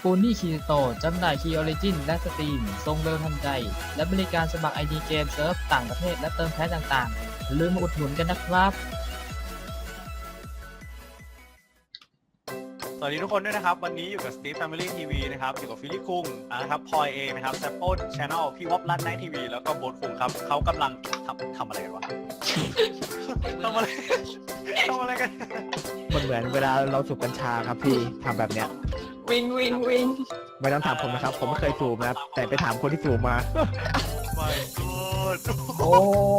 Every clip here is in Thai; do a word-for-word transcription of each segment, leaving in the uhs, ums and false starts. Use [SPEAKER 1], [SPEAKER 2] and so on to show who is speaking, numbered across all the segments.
[SPEAKER 1] ปูนี่คีโตจำหน่ายคีย์ออริจินและสตรีมส่งเร็วทันใจและบริการสมัคร ไอ ดี เกมเซิร์ฟต่างประเทศและเติมแพ็คต่างๆอย่าลืมมาอุดหนุนกันนะครับ
[SPEAKER 2] สวัสดีทุกคนด้วยนะครับวันนี้อยู่กับ Steve Family ที วี นะครับอยู่กับฟิลลี่คุงนะครับพลอยเองนะครับแซปโป้ Channel พี่วอปรัดไนท์ทีวีแล้วก็โบ๊ทคุงครับเขากำลังทำทำอะไรกันวะ ทำอะไรทำอะไรกัน
[SPEAKER 3] มันเหมือนเวลาเราสูบกัญชาครับพี่ทำแบบเนี้ย
[SPEAKER 4] วิงวิงวิง
[SPEAKER 3] ไม่ต้องถามผมนะครับผมไม่เคยสูบนะครับแต่ไปถามคนที่สูบมา
[SPEAKER 2] ไม่กูด
[SPEAKER 3] โอ้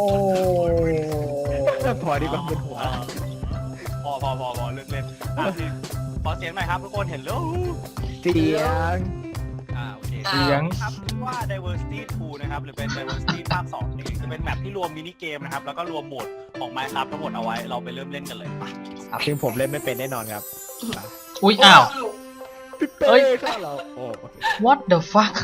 [SPEAKER 3] พอดีกว่าเป็นหัว
[SPEAKER 2] พอพอพอพอเลิกเล่นขอเสียงหน่อยครับทุกคนเห็นแล้ว
[SPEAKER 3] เสียง
[SPEAKER 2] อ่าโอเคเสียงครับว่า Diversity ทู นะครับหรือเป็น Diversity ภาคสองนี่จะเป็นแมปที่รวมมินิเกมนะครับแล้วก็รวมโหมดของ Minecraft ทั้งหมดเอาไว้เราไปเริ่มเล่นกันเลย
[SPEAKER 3] ซึ่งผมเล่นไม่เป็นแน่นอนครับ
[SPEAKER 1] อุ้ยอ้าว
[SPEAKER 3] เอ้ยเราโอ้
[SPEAKER 1] what the fuck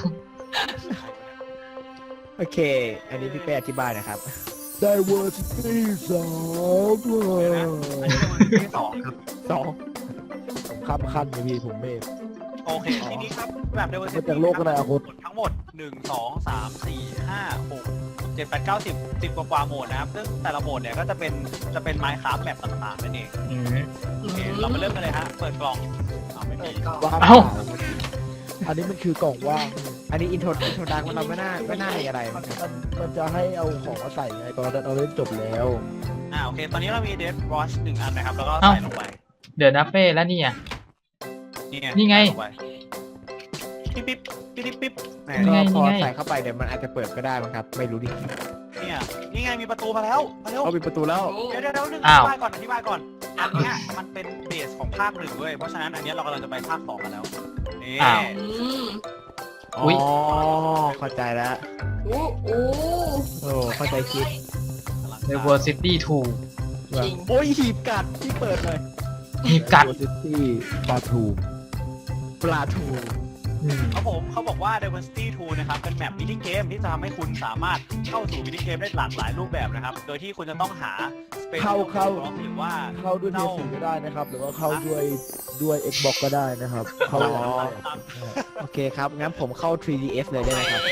[SPEAKER 3] โอเคอันนี้พี่เป้อธิบายนะครับ
[SPEAKER 5] Diversity สอง
[SPEAKER 2] อันนี้ Diversity สองครับ
[SPEAKER 3] สอง
[SPEAKER 5] ผมข้ามขั้นเลยพี่ผมเมฆ
[SPEAKER 2] โอเคทีนี้ครับแบบ Diversity
[SPEAKER 5] จากโลกอะไรอะคุณ
[SPEAKER 2] ทั้งหมดหนึ่ง สอง สาม สี่ ห้า หก เจ็ด แปด เก้า สิบ สิบกว่าๆโหมดนะครับซึ่งแต่ละโหมดเนี่ยก็จะเป็นจะเป็น Minecraft แบบต่างๆนั่นเองโอเคเราไปเริ่มกันเลยฮะเปิดกล่องเอาไม่มี
[SPEAKER 5] เอ้าอันนี้มันคือกล่องว่าง
[SPEAKER 3] อันนี้อินโทรอินโทรดังมันไม่น่าไม่น่ามีอะไร
[SPEAKER 5] มันมันจะให้เอาของมาใส่ไงตอนนั้นเราเล่นจบแล้ว
[SPEAKER 2] อ่าโอเคตอนนี้เรามีเดฟวอชหนึ่งอันนะครับแล้วก็ใส่ลงไป
[SPEAKER 1] เดี๋ยวนะเป้แล้วนี่อ่ะนี่ไง
[SPEAKER 2] ปิ๊บปิ๊บปิ๊บปิ๊บปิ๊บ
[SPEAKER 3] ก็พอใส่เข้าไปเดี๋ยวมันอาจจะเปิดก็ได้มั้งครับไม่รู้ดิ
[SPEAKER 2] เนี่ยนี่ไงมีประตูมาแล้วมาเร็ว
[SPEAKER 3] เอามีประตูแล้ว
[SPEAKER 2] เดี๋ยวเดี๋ยวเดี๋ยวนึงอธิบายก่อนอธิบายก่อนอันนี้มันเป็นเบสของภาคหนึ่งด้วยเพราะฉะนั้นอันนี้เรากำลังจะไปภาคสองกันแล้วนี่
[SPEAKER 3] อ๋อเข้าใจแล้ว
[SPEAKER 4] โอ้โอ้
[SPEAKER 3] โอ้เข้าใจคิด
[SPEAKER 1] Diversity ทู
[SPEAKER 3] โอ้ยหีบกัดที่เปิดเลย
[SPEAKER 1] หีบกัด
[SPEAKER 5] Diversity ปลาทู
[SPEAKER 3] ปลาทู
[SPEAKER 2] เขาผมเขาบอกว่า Diversity ทู นะครับเป็นแมปมินิเกมที่จะทำให้คุณสามารถเข้าสู่มินิเกมได้หลากหลายรูปแบบนะครับโดยที่คุณจะต้องหา
[SPEAKER 5] เข้าเข้า
[SPEAKER 2] หรือว่า
[SPEAKER 5] เข้าด้วย พี เอส โฟร์ ก็ได้นะครับหรือว่าเข้าด้วยด้วย Xbox ก็ได้นะครับเข้า
[SPEAKER 3] โอเคครับงั้นผมเข้า ทรี ดี เอส เลยได้ไหมครับ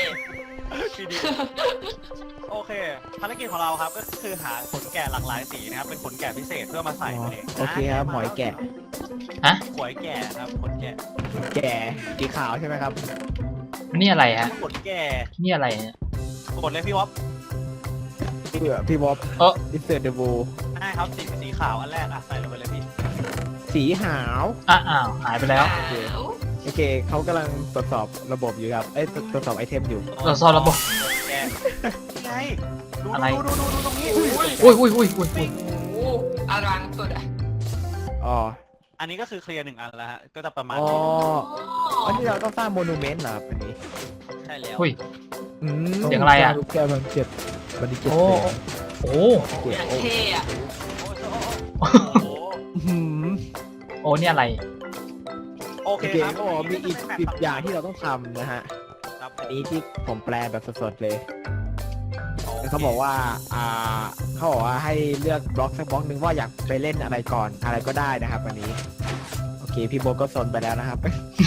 [SPEAKER 2] โอเคภารกิจของเราครับก็คือหาขนแกะหลากหลายสีนะครับเป็นขนแกะพิเศษเพื่อมาใส่เอง
[SPEAKER 3] โอเคครับหมอยแกะ
[SPEAKER 1] ฮะ
[SPEAKER 2] หอยแกะครับขนแกะ
[SPEAKER 3] แกะสีขาวใช่ไหมครับ
[SPEAKER 1] นี่อะไรฮะ
[SPEAKER 2] ขนแกะ
[SPEAKER 1] นี่อะไรเนี่ย
[SPEAKER 2] กดเลยพี่วอป
[SPEAKER 3] พี่พี่วอป
[SPEAKER 1] เออ
[SPEAKER 3] Insert the Bow
[SPEAKER 2] ใช่ครับสีสีขาวอันแรกอ่ะใส่ลงไปเลยพี่
[SPEAKER 3] สีขาว
[SPEAKER 1] อ้าวหายไปแล้ว
[SPEAKER 3] โอเคโอเคเขากำลังตรวจสอบระบบอยู่ครับเอ้ยตรวจสอบไอเทมอยู่
[SPEAKER 1] ตรวจสอบระบบ
[SPEAKER 2] ไงดู
[SPEAKER 1] อะไร
[SPEAKER 2] ดูดูดูตรงนี้
[SPEAKER 1] อุ้ยอุ้ยอุ้ยอุ้ยอุ้ย
[SPEAKER 4] อลังสุดอ่ะ
[SPEAKER 3] อ๋อ
[SPEAKER 2] อันนี้ก็คือเคลียร์หนึ่งอันแล้วฮะก็จะประมาณ
[SPEAKER 3] อ๋ออันนี้เราต้องสร้างโมนูเมนต์เหรอครับอันนี้
[SPEAKER 2] ใช่แล้ว
[SPEAKER 1] อุ้ย
[SPEAKER 5] เสี
[SPEAKER 1] ยงอะไรอ่ะ
[SPEAKER 5] ลูกแก้วมันเจ็บมันดีเจ็บ
[SPEAKER 1] โอ้โอ้
[SPEAKER 4] โอ้เท่อะ
[SPEAKER 2] โอ้โห
[SPEAKER 1] โอ้เนี่ยอะไร
[SPEAKER 3] โอเคครับก็มีอีกสิบอย่างที่เราต้องทำนะฮะอันนี้ที่ผมแปลแบบสดๆเลยเขาบอกว่าอ่าเขาบอกว่าให้เลือกบล็อกสักบล็อกนึงว่าอยากไปเล่นอะไรก่อนอะไรก็ได้นะครับวันนี้โอเคพี่โบก็สนไปแล้วนะครับ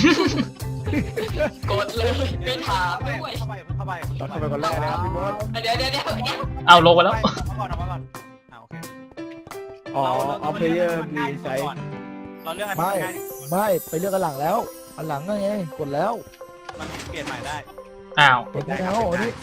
[SPEAKER 4] กดเลยไม่ถามด้วย
[SPEAKER 2] เข้าไปเข้าไป
[SPEAKER 3] เข้าไปคนแรกนะครับพี่โบ
[SPEAKER 4] เดี๋ยวเดี๋ยวเดี๋ยว
[SPEAKER 1] เอาลงไปแล้ว
[SPEAKER 2] เอาก่อนเอาก่อนเอาโอเค
[SPEAKER 3] อ๋อเอาเพลเยอร์มีไซส์
[SPEAKER 2] เราเลือกอะไร
[SPEAKER 5] ไม่ไม่ไปเลือกอันหลังแล้วอันหลังไงกดแล้ว
[SPEAKER 2] มันเปลี่ยนใหม่ได้
[SPEAKER 1] อ้าว
[SPEAKER 5] กดแล้วอันนี้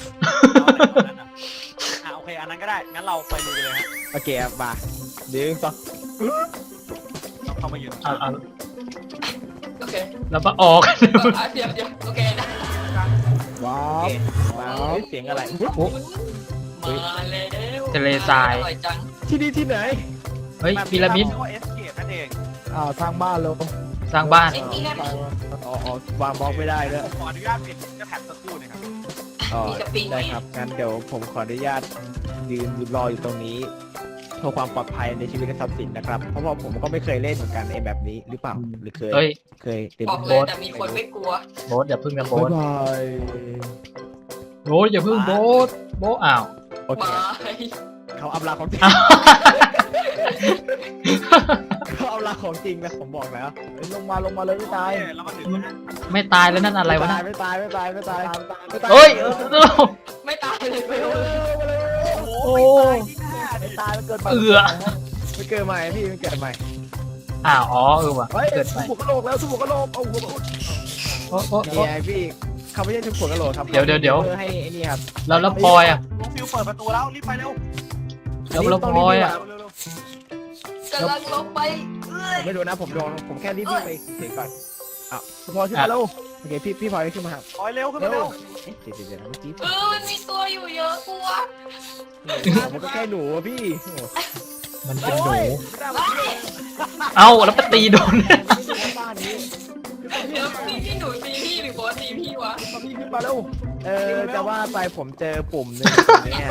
[SPEAKER 2] อ่าโอเคอันนั้นก็ได้งั้นเราไปดูกันเลยฮะ
[SPEAKER 3] โอเคครับมาเดี๋ยวต่อ
[SPEAKER 2] ต้องเข้ามายืน
[SPEAKER 1] เอาเอา
[SPEAKER 4] โอเค
[SPEAKER 1] แล้วก็ออก
[SPEAKER 4] เดี๋ยวเดี๋ยวโอเคนะ
[SPEAKER 5] ว้าว
[SPEAKER 3] ว้าวเสียงอะไร
[SPEAKER 4] มาแล้ว
[SPEAKER 1] ทะเลทราย
[SPEAKER 3] ที่นี่ที่ไหน
[SPEAKER 1] เฮ้ยพีระมิด
[SPEAKER 5] อ้าวสร้างบ้านเรา
[SPEAKER 1] สร้างบ้าน
[SPEAKER 3] อ๋อวางบล็อกไม่ได้ด้วย
[SPEAKER 2] ขออนุญาตปิดจะแถบสักครู่นะครับ
[SPEAKER 3] อ๋อได้ครับงั้นเดี๋ยวผมขออนุญาตยืนรออยู่ตรงนี้เพื่อความปลอดภัยในชีวิตและทรัพย์สินนะครับเพราะว่าผมก็ไม่เคยเล่นเหมือนกันไอ้แบบนี้หรือเปล่าหรือเคยเคยเต็ม
[SPEAKER 4] โบ๊ทแต่มีคนไม่กลัว
[SPEAKER 1] โบ๊ทอย่าพึ่งนะโบ๊ท
[SPEAKER 5] ย
[SPEAKER 1] โบ๊ทอย่าพึ่งโบ๊ทโบ๊ทอ้าว
[SPEAKER 3] โอเคเขาอัพลาของจริงเขาเอาละของจริงนะผมบอกแล้ว
[SPEAKER 5] เฮ้ยลงมาลงมาเลยไม่ตาย
[SPEAKER 2] โอเคเรามาถึงแล้วนะ
[SPEAKER 1] ไม่ตายแล้วนั่นอะไรวะ
[SPEAKER 3] ตา
[SPEAKER 1] นะ
[SPEAKER 3] ยไม่ตายไม่ตายไม่ตายไม่ตาย
[SPEAKER 1] เฮ้ย
[SPEAKER 4] ไม่ตายเลย
[SPEAKER 3] เร็วเร็วเร็วเร็ว
[SPEAKER 2] โอ้
[SPEAKER 1] โอ้
[SPEAKER 2] ยไม่ตายที่หน้าดิ
[SPEAKER 5] ไม่ตายมันเกิดมา
[SPEAKER 1] เอือ
[SPEAKER 3] ไม่เกิดใหม่พี่ไม่เกิดใหม่
[SPEAKER 1] อ้าวอ๋อเออว่ะ
[SPEAKER 5] เฮ้ย
[SPEAKER 1] เกิดให
[SPEAKER 5] ทุ
[SPEAKER 1] ม่
[SPEAKER 5] บหัวกะโหลกแล้วทุบหัวกะโหลกเอาหัวกะโหลก
[SPEAKER 1] โอ้โอ้
[SPEAKER 3] นี่
[SPEAKER 1] โอ้
[SPEAKER 3] ไงพี่เขาไม่ใช่ทุกคนกระโหลกครับ
[SPEAKER 1] เดี๋ยวเดี๋ยวเดี๋ยว
[SPEAKER 3] เพื่อให้ไอ้นี่ครับ
[SPEAKER 1] แล้วแล้วพลอยอ่ะ
[SPEAKER 2] น้องฟิวเปิดประตูแล้วรีบไปเร็ว
[SPEAKER 1] แล้วแล้วพลอยอ่ะ
[SPEAKER 2] เร็วเร็ว
[SPEAKER 4] กำลังลงไปเอ้ย
[SPEAKER 3] ผมไม่ดูนะผมโดนผมแค่รีบๆไปเฉยๆก่อน
[SPEAKER 5] พอขึ้นมาแล้ว
[SPEAKER 3] โอเคพี่พี่พลอยขึ้นมาครับ
[SPEAKER 2] พลอยเร็วขึ้นมาเร็ว
[SPEAKER 3] เอ๊ะเดี๋ยวเดี๋ยวเดี๋ยวเมื่อกี้
[SPEAKER 4] เออมันมีตัวอยู่เยอะกลัว
[SPEAKER 3] ผมก็แค่หนูอะพี่โอ้โห
[SPEAKER 1] มันเป็นหนู
[SPEAKER 4] เฮ้ย
[SPEAKER 1] เอ้าแล้วไปตีโดน
[SPEAKER 3] บ้านนี้
[SPEAKER 4] เดี๋ยวพี่พี่หนูตีพี่หรือบอสตีพี่วะ
[SPEAKER 5] มาพี่ขึ้นมาแล้ว
[SPEAKER 3] เออจะว่าไปผมเจอปุ่มหนึงเนี่ย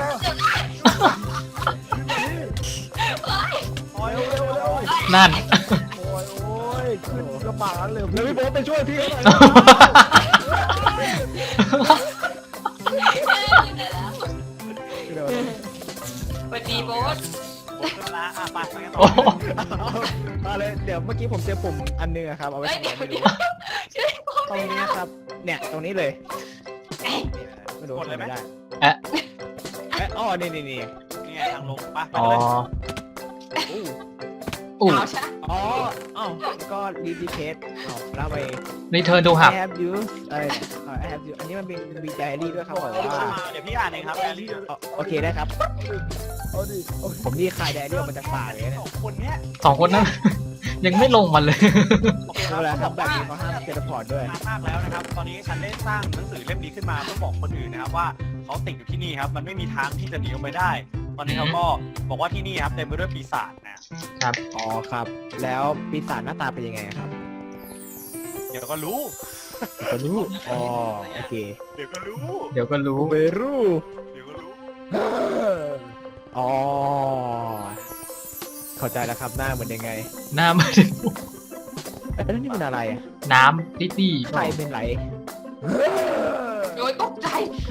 [SPEAKER 2] พลอยเร็วเร็วเร็ว
[SPEAKER 1] นั่น
[SPEAKER 5] โอ้ยโอ้ยขึ้นกระบะเลย
[SPEAKER 3] แล้วพี่โบ๊ทไปช่วยพี่หน่อย
[SPEAKER 4] เดี๋ยวสวัสดีบอส
[SPEAKER 2] โอ้ยละอ่ะไปไปกันต่
[SPEAKER 1] โอ้
[SPEAKER 2] อ
[SPEAKER 3] เอาเลยเดี๋ยวเมื่อกี้ผมเจอปุ่มอันนึงอะครับเอาไว้
[SPEAKER 4] เฮ้ย
[SPEAKER 3] ทำอะไร
[SPEAKER 4] เดี๋ยว
[SPEAKER 3] ไม่
[SPEAKER 4] เดี๋
[SPEAKER 3] รู้
[SPEAKER 4] ยวช่วยบอส
[SPEAKER 3] ตรงนี้ครับ เนี่ยตรงนี้เลยไม่รู้ทำไม่ได้
[SPEAKER 1] เอ๊ะ
[SPEAKER 3] เอ๊ะอ๋อนี่นี่นี่
[SPEAKER 2] นี่ไงทางลงไปไป
[SPEAKER 1] อ๋อ
[SPEAKER 2] เลย
[SPEAKER 3] อู้
[SPEAKER 1] อู้
[SPEAKER 4] เอาใช่
[SPEAKER 3] อ๋ออ้าวก็รีดีเคสอ๋อแล้วไป
[SPEAKER 1] รีเทิร์นดูหับ
[SPEAKER 3] I have used เอ้ย I have used อันนี้มันเป็นมีไดอารี่ด้วยครับบอกว่า
[SPEAKER 2] เดี๋ยวพี่อ่านเองครับแอลลี่
[SPEAKER 3] อ๋อโอเคได้ครับ
[SPEAKER 5] เอาดิเอาดิ
[SPEAKER 3] ผมนี่คายไดอารี่ออกมาจากป่าเลยเนี่ย
[SPEAKER 2] สองคนเนี้ย
[SPEAKER 1] สองคนนั้น ยังไม่ลงมาเลย
[SPEAKER 2] โอเคค
[SPEAKER 3] เว
[SPEAKER 2] รับ
[SPEAKER 3] ลา
[SPEAKER 2] เขาบอก
[SPEAKER 3] ทำแบบ
[SPEAKER 2] ว่า
[SPEAKER 3] นี้เขาห้ามเทเลพอร์ตด้วย
[SPEAKER 2] นานมากแล้วนะครับ ตอนนี้ฉันได้สร้างหนังสือเล่มนี้ขึ้นมาเพื่อบอกคนอื่นนะครับว่าเขาติดอยู่ที่นี่ครับ มันไม่มีทางที่จะหนีออกไปได้ ตอนนี้เขาก็บอกว่าที่นี่ครับเต็มไปด้วยปีศาจนะ
[SPEAKER 3] อ๋อครับ แล้วปีศาจหน้าตาเป็นยังไงครับ
[SPEAKER 2] เดี๋ยวก็รู้
[SPEAKER 3] ก็รู้อ๋อโอเค
[SPEAKER 2] เดี๋ยวก็รู้
[SPEAKER 1] เดี๋ยวก็รู้
[SPEAKER 3] เวรู
[SPEAKER 2] เดี๋ยวก็รู้
[SPEAKER 3] อ๋อเข้าใจแล้วครับหน้าเหมือนยังไง
[SPEAKER 1] หน้ามัน
[SPEAKER 3] เอ้ยแล้วนี่มันอะไรอะ
[SPEAKER 1] น้ำตี้ตี้
[SPEAKER 3] ใครเป็นไร
[SPEAKER 4] โดยตกใจ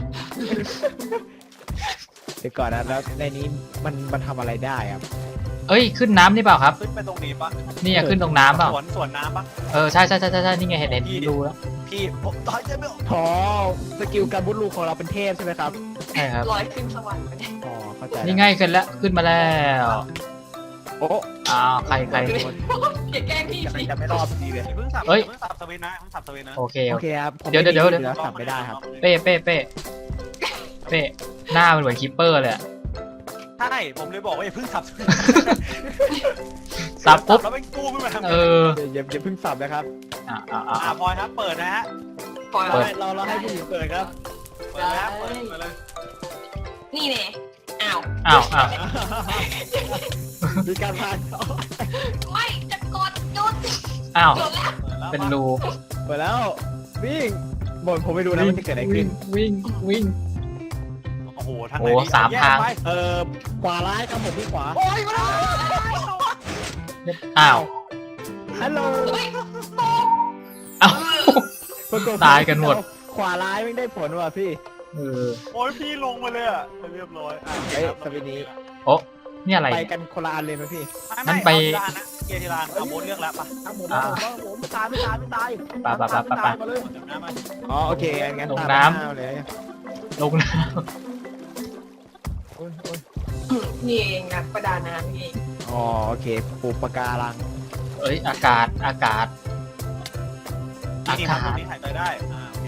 [SPEAKER 3] เดี๋ยวก่อนนะแล้วในนี้มันมันทำอะไรได้ครับ
[SPEAKER 1] เอ้ยขึ้นน้ำนี่เปล่าครับ
[SPEAKER 2] ขึ้นไปตรงนี้ปะ
[SPEAKER 1] นี่อะขึ้นตรงน้ำเปล่า
[SPEAKER 2] สวนสวนน้ำปะ
[SPEAKER 1] เออใช่ใช่ใช่ใช่ใช่นี่ไงเห็นเห็นดูแล้ว
[SPEAKER 2] พี่ผมตายใจไม่ออก
[SPEAKER 3] พอสกิลการบุดลูกของเราเป็นเทพใช่ไหมครับ
[SPEAKER 1] ใช่ครับ
[SPEAKER 4] ลอยขึ้นสวรรค์ไปเนี่ย
[SPEAKER 3] อ๋อเข้าใจแล้ว
[SPEAKER 1] นี่ไงขึ้นแล้วขึ้นมาแล้ว
[SPEAKER 3] โอ้
[SPEAKER 1] อ้าวใครใคร
[SPEAKER 4] อย่าแกล้งพี่
[SPEAKER 3] จะ
[SPEAKER 4] สิ
[SPEAKER 3] จะไม่รอดพอดีเลย
[SPEAKER 2] อย่าเพิ่งสับ
[SPEAKER 1] เอ้ย
[SPEAKER 2] อย่าเพิ่งสับสวินนะอย่าเพิ่งสับสวินนะ
[SPEAKER 1] โอเค
[SPEAKER 3] โอ
[SPEAKER 1] โอ
[SPEAKER 3] เค
[SPEAKER 1] เค
[SPEAKER 3] ครับผม
[SPEAKER 1] เดี๋ยวเดี๋ยวเดี๋ยว
[SPEAKER 3] ไม่แล้วสับไม่ได้ครับ
[SPEAKER 1] เป้เป้เป้เป้หน้ามันเหมือนคิปเปอร์เลยอะ
[SPEAKER 2] ใช่ผมเลยบอกว่าอย่าเพิ่งสับสวิน
[SPEAKER 1] สับปุ๊บ
[SPEAKER 2] แล้วไม่กู้ขึ้นมาทำไง
[SPEAKER 1] เออ
[SPEAKER 3] อย่าอย่าเพิ่งสับนะครับ
[SPEAKER 1] อ่าอ่า
[SPEAKER 2] อ่า
[SPEAKER 1] อ่า
[SPEAKER 2] พลอยครับเปิดนะฮะ
[SPEAKER 4] ปล่อย
[SPEAKER 1] เปิด
[SPEAKER 3] เราเราให้ผู้หญิงเปิดครับ
[SPEAKER 2] เปิดแล้วเปิดเปิดเลย
[SPEAKER 4] นี่เนี่ยอ้าว
[SPEAKER 1] อ้าวอ้าว
[SPEAKER 3] มีการพาน
[SPEAKER 4] ไม่จะกดหยุด
[SPEAKER 1] อ้าว
[SPEAKER 4] หยุดแล้ว
[SPEAKER 2] เปิดแล้ว
[SPEAKER 1] เป็นรู
[SPEAKER 3] เปิดแล้ววิ่งบนผมไม่รู้นะมันจะเกิดอะไรขึ้
[SPEAKER 1] วิ่
[SPEAKER 3] น
[SPEAKER 1] งวิ่งวิ่ง
[SPEAKER 2] โอ้โหทางไห
[SPEAKER 1] โอ้
[SPEAKER 2] นดี
[SPEAKER 1] สาม
[SPEAKER 2] แยก
[SPEAKER 1] ทาง
[SPEAKER 2] ไป
[SPEAKER 3] เออขวาร้ายครับผมที่ขวา
[SPEAKER 2] โอ้ยมาแล้ว
[SPEAKER 1] อ้าว
[SPEAKER 3] ฮัลโหล
[SPEAKER 4] เฮ้ย
[SPEAKER 1] อ้าว
[SPEAKER 3] ปรากฏ
[SPEAKER 1] ตายกันหมด
[SPEAKER 3] ขวาร้ายไม่ได้ผลว่ะพี่
[SPEAKER 1] เออ
[SPEAKER 2] โอ้ยพี่ลงมาเลยอ่ะเรียบร้อยอ่ะ
[SPEAKER 3] เฮ้ยสวินนี้
[SPEAKER 1] โอ้นี่อะไร
[SPEAKER 3] ไปกันคนละอันเลยไหมพี่
[SPEAKER 1] งั้
[SPEAKER 2] ไม่
[SPEAKER 1] น
[SPEAKER 2] ไม่
[SPEAKER 1] ไป
[SPEAKER 2] เอาทีละอันนะเกียร์ทีละอันเอาโบนเลือกแล้วปะ
[SPEAKER 5] ทำผมเอาผมเอาผมไม่ตายไม่ตายไม่ตาย
[SPEAKER 1] ไปไปไปไปไป
[SPEAKER 5] มาเลย
[SPEAKER 2] เดี๋ยวน้ำมา
[SPEAKER 3] อ๋อโอเคงั้น
[SPEAKER 1] ลง
[SPEAKER 3] ตาม
[SPEAKER 1] น้ำ
[SPEAKER 3] หาเลย
[SPEAKER 1] ลงน้
[SPEAKER 5] โอ้ยโอ้ย
[SPEAKER 4] นี่เองนักประดาน้ำนี่เอง
[SPEAKER 3] อ๋อโอเคปูปะการัง
[SPEAKER 1] ำเอ้ยอากาศอากาศ อา
[SPEAKER 2] นี่
[SPEAKER 1] กา
[SPEAKER 2] ครับตร
[SPEAKER 1] ศ
[SPEAKER 2] งนี้หายใจได้อ่าโอเค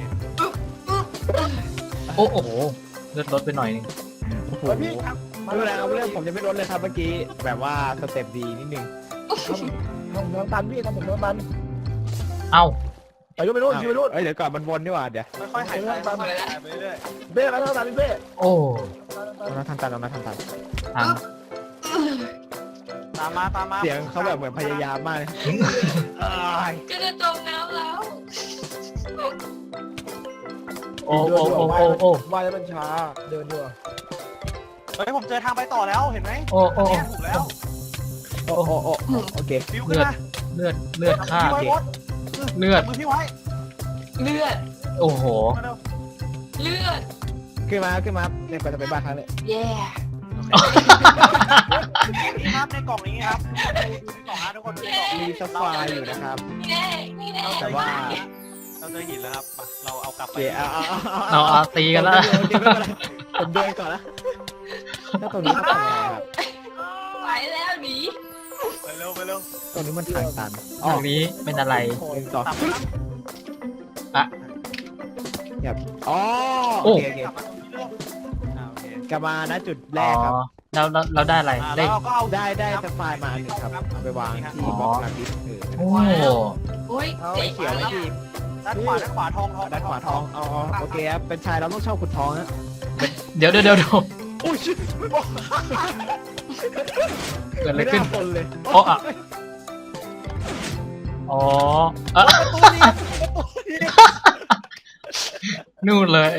[SPEAKER 1] โอ้โอ้โหเลือดลดไปหน่อยนึง
[SPEAKER 3] โอ้โห
[SPEAKER 5] เฮ้ยพี่ครับ
[SPEAKER 3] ไม่เป็นไรครับเรื่องผมจะไม่ลดเลยครับเมื่อกี้แบบว่าสเต็ปดีนิดนึง
[SPEAKER 5] ทำผมทำตันพี่ทำผมทำตัน
[SPEAKER 1] เอ้า
[SPEAKER 5] ไปยุ่งไปรุ่นยุ่งไปรุ่น
[SPEAKER 3] เอ้ยเดี๋ยวก่อนมันวนดีกว่าเดี๋ยว
[SPEAKER 2] ค่อยๆหายใจค่อยๆหายใจไปเรื่อย
[SPEAKER 5] เบ้แล้วทำตันพี่เบ้
[SPEAKER 1] โอ้
[SPEAKER 3] เรามาทำตันเรามาทำตัน
[SPEAKER 1] ทาง
[SPEAKER 2] ๆตามมาตามมา
[SPEAKER 3] เสียงเขาแบบเหมือนพยายามมากเลย
[SPEAKER 2] เอ้ย
[SPEAKER 4] จะจะจมน้ำแล้ว
[SPEAKER 1] โอ้โอ้โอ้โอ้โอ้
[SPEAKER 5] ว่ายแล้วมันช้าเดินดีกว่า
[SPEAKER 2] เฮ้ยผมเจอทางไปต่อแล้วเห็นไหม
[SPEAKER 1] โอ้โอ้
[SPEAKER 2] เนี่ยถูกแล้ว
[SPEAKER 3] โอ้โอ้โอ้โอเค
[SPEAKER 2] ฟิวขึ้นมา
[SPEAKER 1] เลือดเลือดข้า
[SPEAKER 2] พี่ไว้บด
[SPEAKER 1] เลือด
[SPEAKER 2] มือพี่ไว้
[SPEAKER 4] เลือด
[SPEAKER 1] โอ้โห
[SPEAKER 2] มาเร็ว
[SPEAKER 4] เลือด
[SPEAKER 3] ขึ้นมาขึ้นมาเนี่ยก็จะไปบ้านครั้งเลย
[SPEAKER 4] แย่
[SPEAKER 1] โ
[SPEAKER 2] นี่ครับในกล่องนี้ครับดูในกล่องนะทุกคนดูในกล่อง
[SPEAKER 3] มีซัฟไฟร์อยู่นะครับ
[SPEAKER 4] นี่แน่นี่แน่
[SPEAKER 3] แต่ว่า
[SPEAKER 2] เราเจอหินแล้วครับมาเราเอากลับ
[SPEAKER 3] โอ
[SPEAKER 2] ไป
[SPEAKER 3] เคเอาเอา
[SPEAKER 1] เอาเอาตีกันแล้ว
[SPEAKER 3] ผมเดินก่อนละถ้าตรงนี้ต้องทำยังไงครับ
[SPEAKER 4] ไปแล้วหนี
[SPEAKER 2] ไปเร็วไปเร็ว
[SPEAKER 3] ตรงนี้มันทางตัน
[SPEAKER 1] ตรงนี้เป็นอะไร
[SPEAKER 3] หนึ่งสอง
[SPEAKER 2] ตับครับ
[SPEAKER 1] อ่ะ
[SPEAKER 3] แบบอ๋อ
[SPEAKER 1] โอ้
[SPEAKER 3] โอเคโอเค
[SPEAKER 2] กลับมาตรงนี้เร็วอ่าโอเค
[SPEAKER 3] กลับมานะจุดแร
[SPEAKER 1] อ๋อก
[SPEAKER 3] ครับ
[SPEAKER 1] เราเราเราได้อะไร
[SPEAKER 2] อ่า
[SPEAKER 1] ได้
[SPEAKER 2] แล้วเราก็เอา
[SPEAKER 3] ได้ได้ซัฟไฟร์มาอันหนึ่งครับเอาไปวางที่บล็อกลาดิสเออ
[SPEAKER 1] โอ้
[SPEAKER 4] โอ้ย
[SPEAKER 3] เอา
[SPEAKER 4] เจ๋
[SPEAKER 3] ไอ้
[SPEAKER 4] ง
[SPEAKER 3] เขียวไหมพี่
[SPEAKER 2] ด้านขวาด้านขวาทองทอง
[SPEAKER 3] ด้านขวาทองเอาเอาโอเคครับเป็นชายเราต้องเช่าขุดทองนะ
[SPEAKER 1] เดี๋ยวเดี๋ยวเดี๋ยวเดี๋ยว
[SPEAKER 3] โอ้ยชิบไม่บอก
[SPEAKER 1] เกิดอะไรขึ้น
[SPEAKER 3] ม่าคนเลย
[SPEAKER 1] โอ้อะอ๋อเอะ
[SPEAKER 2] ประตูนี้ประตูนี้
[SPEAKER 1] นู่นเลย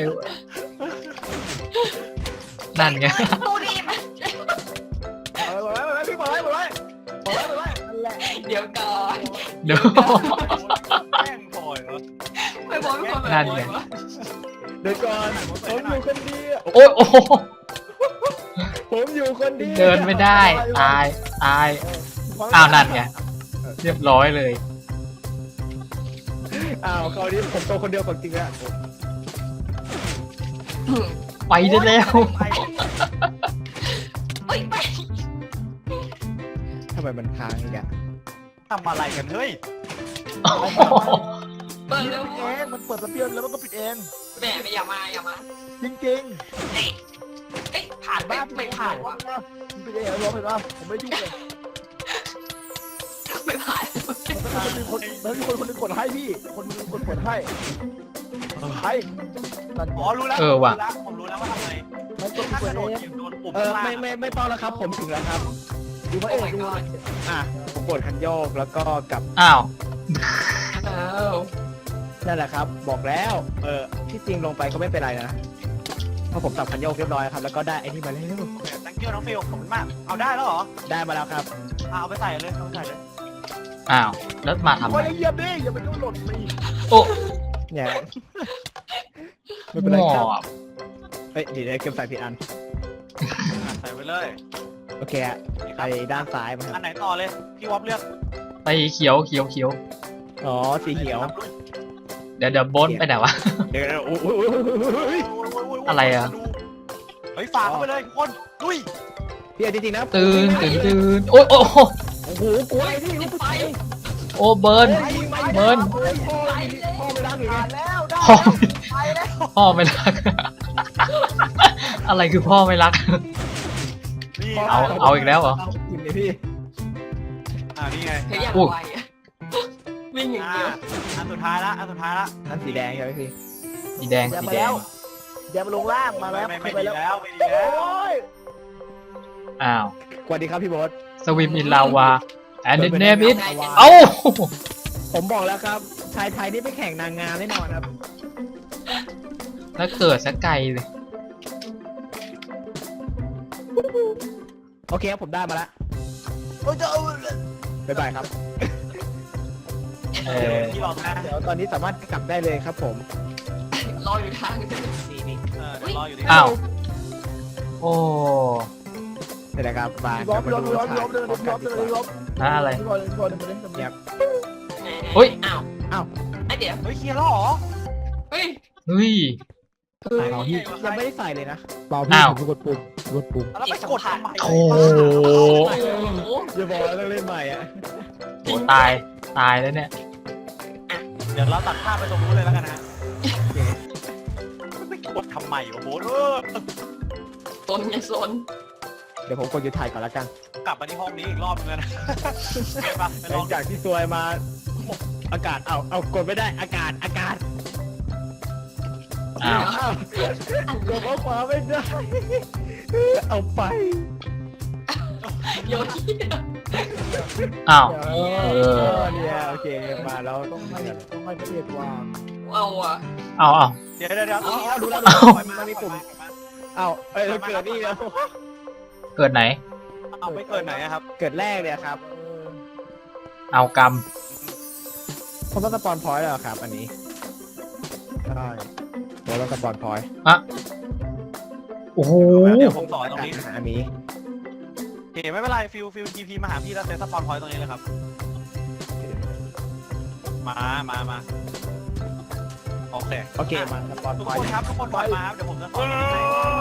[SPEAKER 1] นั่นไง
[SPEAKER 4] ตู้ดีมัน
[SPEAKER 3] เอาไว้ไว้ไว้พี่บอกไว้บอกไว้บอกไว้บอกไว้นั่นแหละ
[SPEAKER 4] เดี๋ยวก่อน
[SPEAKER 1] เดี๋ยว
[SPEAKER 2] แม่งบ่อยเหรอ
[SPEAKER 4] ไม่บอกไม่บอก
[SPEAKER 1] นั่นไง
[SPEAKER 3] เดี๋ยวก่อนผมอยู่คนเดียว
[SPEAKER 1] โอ้ยโอ้โห
[SPEAKER 3] ผมอยู่คนเดียว
[SPEAKER 1] เดินไม่ได้ ตาย ตาย อ้าวนั่นไง เรียบร้อยเลย
[SPEAKER 3] อ้าวคราวนี้ผมโตคนเดียวของจริงแล้ว
[SPEAKER 1] ไปได้แล้ว
[SPEAKER 4] เฮ้ยไป
[SPEAKER 3] ทำไมมันค้างอีกอะ
[SPEAKER 2] ทำอะไรกันเฮ้ย
[SPEAKER 1] โอ้โห
[SPEAKER 4] เปิดเร็ว
[SPEAKER 5] เองมันเปิดสเปียร์แล้วมันก็ปิดเอง
[SPEAKER 4] แม่ไม่อย่ามาอย่ามา
[SPEAKER 5] จริง
[SPEAKER 4] เอ้ยเอ้ยผ่าน
[SPEAKER 5] ๆ
[SPEAKER 4] ไปไม่ผ่านวะ
[SPEAKER 5] มันปิดเองเหรอเห็นป่ะผมไม่ยุ่งเลย
[SPEAKER 4] ไม่ผ่าน
[SPEAKER 5] มันมีคนมันมีคนคนนึงกดให้พี่ คนนึงกดกดให้ให้นั่น
[SPEAKER 2] อ๋อรู้แล้ว
[SPEAKER 1] เออว่ะ
[SPEAKER 2] ผมรู้แล้วผมรู้แล้วว่าทำไง
[SPEAKER 5] มันกด
[SPEAKER 2] ถ้าก
[SPEAKER 5] ก
[SPEAKER 2] ระ
[SPEAKER 5] ด
[SPEAKER 2] โดด
[SPEAKER 5] เอ
[SPEAKER 2] เหยี
[SPEAKER 5] ง
[SPEAKER 2] ยบโดนปุ่ม
[SPEAKER 3] เออ
[SPEAKER 2] ข้างล่าง
[SPEAKER 3] ไม่ไม่ไม่ต้องแล้วครับ ผมถึงแล้วครับ
[SPEAKER 5] ดูพระเอกดู
[SPEAKER 3] อ่ะผมกดคันโยกแล้วก็กลับ
[SPEAKER 1] อ้าว
[SPEAKER 4] อ้าว
[SPEAKER 3] นั่นแหละครับ บอกแล้ว เออที่จริงลงไปก็ไม่เป็นไรนะเพราะผมตับคันโยกเรียบร้อยครับแล้วก็ได้ไอ้นี่มาแล้ว
[SPEAKER 2] ตั้งเกียวน้องฟิลขอบคุณมากเอาได้แล้วเหรอ
[SPEAKER 3] ได้มาแล้วครับ
[SPEAKER 2] อ่ะเอาไปใส่เลยเอาไปใส่เลย
[SPEAKER 1] อ้าว แล้วมาทำ
[SPEAKER 5] ค
[SPEAKER 1] ไม
[SPEAKER 5] นเหยียบดิอย่าไปโดนหล่นไป
[SPEAKER 1] โอ้
[SPEAKER 3] เนี่ยไม่เป็นไร
[SPEAKER 1] หม
[SPEAKER 3] ครับ
[SPEAKER 1] อบ
[SPEAKER 3] เฮ้ยเดี๋ยวเก็บใส่ผิดอัน
[SPEAKER 2] อ่ะใส่ไปเลย
[SPEAKER 3] โอเคอะไปด้านซ้ายมาค
[SPEAKER 2] อั
[SPEAKER 3] รับ
[SPEAKER 2] นไหนต่อเลยพี่วอฟเลือก
[SPEAKER 1] ไปเขียวเขียวเขียว
[SPEAKER 3] อ๋อสีเขียว
[SPEAKER 1] เดี๋ยวเดี๋ยวโบนไปไหนวะ
[SPEAKER 3] เดี๋ยวๆโอ้โห
[SPEAKER 1] อะไรอะ
[SPEAKER 2] เฮ้ยฝากเข้าไปเลยทุกคนลุย
[SPEAKER 3] พี่เอาจริงๆนะ
[SPEAKER 1] ตื่นตื่นตื่นโอ้ยโอ้โห
[SPEAKER 3] โอ้โหกลัวไอ้นี่ลูกไป
[SPEAKER 1] โอ้เบิร์น เบิร์น
[SPEAKER 3] พ่อพ่อไม่รักอีกไง
[SPEAKER 5] แล้วได้
[SPEAKER 1] พ่อ
[SPEAKER 5] ไปแล้ว
[SPEAKER 1] พ่อไม่รัก อะไรคือพ่อไม่รัก
[SPEAKER 2] นี่
[SPEAKER 1] เอาเอาอีกแล้วเหรอ
[SPEAKER 3] กินเลยพี่
[SPEAKER 2] อ่านี่ไง
[SPEAKER 4] เธออยาก
[SPEAKER 1] อุ๊ย
[SPEAKER 4] ไวอะวิ่งอย่าง
[SPEAKER 2] อ่า
[SPEAKER 4] เดียว
[SPEAKER 2] อันสุดท้ายละอันสุดท้ายละ
[SPEAKER 3] นั่นสีแดงใช่ไหมพี่
[SPEAKER 1] สีแดง
[SPEAKER 5] อย่า
[SPEAKER 1] สี
[SPEAKER 5] มา
[SPEAKER 1] แด
[SPEAKER 5] แล้
[SPEAKER 1] ง
[SPEAKER 5] วอย่ามาลงล่างมาแล้ว
[SPEAKER 2] ไม่ไม่
[SPEAKER 5] ไป
[SPEAKER 2] ดี
[SPEAKER 5] แล้ว
[SPEAKER 2] แล้วไม่ดีแล้ว
[SPEAKER 5] โอ้ย
[SPEAKER 1] อ้าว
[SPEAKER 3] สวัสดีครับพี่โบ๊ท
[SPEAKER 1] สวิมอินลาวาแอนด์เนมิด
[SPEAKER 4] ได้จะ
[SPEAKER 1] เอ้า
[SPEAKER 3] ผมบอกแล้วครับ ชายไทยนี่ไปแข่งนางงามแน่นอนครับ
[SPEAKER 1] แล้วเกิดสักไกลเลย
[SPEAKER 3] โอเคครับผมได้มาแล้ว
[SPEAKER 5] โอ้ยจะเอา
[SPEAKER 3] บ๊ายบายครับ
[SPEAKER 1] เอ
[SPEAKER 2] เดี๋ยว
[SPEAKER 1] อ
[SPEAKER 2] พี่บอกนะ
[SPEAKER 3] เดี๋ยวตอนนี้สามารถกลับได้เลยครับผม
[SPEAKER 4] รออยู่ทาง
[SPEAKER 3] นี่นี่
[SPEAKER 2] เออเดี๋ยวรออยู่ที่
[SPEAKER 1] อ้าว โอ้
[SPEAKER 3] นี่แหละครับมา
[SPEAKER 5] ล้อม
[SPEAKER 3] มา
[SPEAKER 5] ล้อม
[SPEAKER 3] ดู
[SPEAKER 5] ล้อม
[SPEAKER 3] ชาย
[SPEAKER 5] ล้อมเดิน
[SPEAKER 3] พร้อมกั
[SPEAKER 5] ล้อน ม
[SPEAKER 3] ดี
[SPEAKER 5] เดิน
[SPEAKER 3] กว่า
[SPEAKER 5] ล้อม
[SPEAKER 1] นะอะไร
[SPEAKER 5] พี่บอลพี่บอลเดินเดิน
[SPEAKER 3] เงียบ
[SPEAKER 1] เฮ้ย
[SPEAKER 4] อ้าว
[SPEAKER 3] อ้าว
[SPEAKER 4] ไอะเดี๋ยว
[SPEAKER 2] เฮ้ยเคลียร์แล้วเหรอ
[SPEAKER 4] เฮ้ย
[SPEAKER 1] เฮ้ย
[SPEAKER 5] คือ
[SPEAKER 3] เอาพี่ยังไม่ได้ใส่เลยนะ
[SPEAKER 5] เปล่าพี่
[SPEAKER 1] อ้าว
[SPEAKER 5] ผมกดปุ่มกดปุ่ม
[SPEAKER 2] แล้วไปกดทำไม
[SPEAKER 1] โอ้โห
[SPEAKER 4] โอ้โห
[SPEAKER 3] อย่าบอกว่าต้องเล่นใหม่อ่ะ
[SPEAKER 1] โหตาย ตายแล้วเนี่ย
[SPEAKER 2] เดี๋ยวเราตัดภาพไปตรงนู้นเลยแล้วกันนะไปกดทำไมวะโบ๊ทเออ
[SPEAKER 4] ซนไงซน
[SPEAKER 3] เดี๋ยวผมกดหยุดถ่ายก่อนละกัน
[SPEAKER 2] กลับมาที่ห้องนี้อีกรอบนึงเลยนะไปปะไป
[SPEAKER 3] ห
[SPEAKER 2] ล
[SPEAKER 3] ลั
[SPEAKER 2] อง
[SPEAKER 3] งจากที่ซวยมาอากาศเอาเอากดไม่ได้อากาศอากาศ
[SPEAKER 1] อ้าว
[SPEAKER 3] อ้าวกดเอาขวาไม่ได้ เอาไป
[SPEAKER 4] โยนที่
[SPEAKER 1] อ้าว
[SPEAKER 3] เอ
[SPEAKER 1] เออ
[SPEAKER 3] อเนี่ยโอเคมาแล้ว
[SPEAKER 5] ต้องให้ต้องให้พระเอกวาง
[SPEAKER 4] เอาอ่ะ
[SPEAKER 1] เอาเอา
[SPEAKER 2] เดี๋ยวเดี๋ยวเดี๋ยว
[SPEAKER 3] เอาเอาดูแล้ว
[SPEAKER 1] เอา
[SPEAKER 3] มันมีปุ่มเอาเอ้ยเกิดนี่แล้ว
[SPEAKER 1] เกิดไหน
[SPEAKER 2] เอาไปเกิดไหนอะครับ
[SPEAKER 3] เกิดแรกเนี่ยครับ
[SPEAKER 5] เออ
[SPEAKER 1] เอากรรม
[SPEAKER 3] ผมต้องสปอนพอยต์แล้วครับ อันนี้
[SPEAKER 5] ใช่
[SPEAKER 3] ผมต้องสปอนพอยต์
[SPEAKER 1] อะโอ้อ้โห
[SPEAKER 2] เดี๋ยวผมสอนตรงนี้
[SPEAKER 3] อันนี้
[SPEAKER 2] โอเคไม่เป็นไรฟิลฟิลทีพีมาหาพี่แล้วเซตสปอนพอยต์ตรงนี้เลยครับ มามามาโอเค
[SPEAKER 3] โอเคมาสปอน
[SPEAKER 2] ทุก
[SPEAKER 3] พอย
[SPEAKER 2] คน
[SPEAKER 3] ต์
[SPEAKER 2] ครับทุกคนถอยมาครับเดี๋ยวผมจะสอนให้